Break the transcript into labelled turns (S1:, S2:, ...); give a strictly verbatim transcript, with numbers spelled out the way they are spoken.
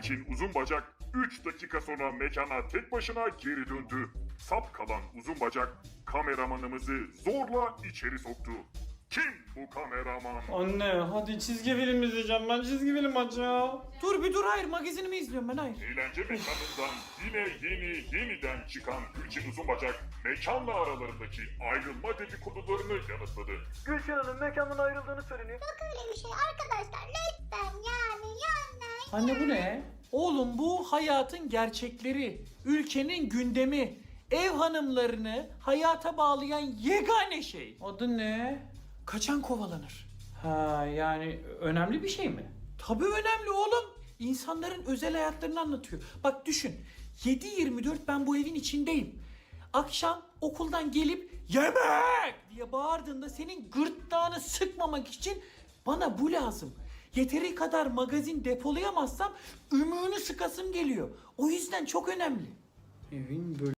S1: Gülçin Uzunbacak üç dakika sonra mekana tek başına geri döndü. Sap kalan Uzunbacak kameramanımızı zorla içeri soktu. Kim bu kameraman?
S2: Anne hadi çizgi film izleyeceğim ben, çizgi film aç ya. Dur bir dur, hayır magazinimi izliyorum ben, hayır.
S1: Eğlence mekanından yine yeni yeniden çıkan Gülçin Uzunbacak mekanla aralarındaki ayrılma dedikodularını yanıtladı.
S3: Gülşen Hanım mekandan ayrıldığını söyleniyor.
S4: Yok öyle bir şey arkadaşlar, lütfen yani yani.
S2: Anne bu ne? Oğlum bu hayatın gerçekleri, ülkenin gündemi, ev hanımlarını hayata bağlayan yegane şey. Adı ne? Kaçan kovalanır. Ha yani önemli bir şey mi? Tabii önemli oğlum. İnsanların özel hayatlarını anlatıyor. Bak düşün, yedi yirmi dört ben bu evin içindeyim. Akşam okuldan gelip yemek diye bağırdığında senin gırtlağını sıkmamak için bana bu lazım. Yeteri kadar magazin depolayamazsam ümüğünü sıkasım geliyor. O yüzden çok önemli. Evin böyle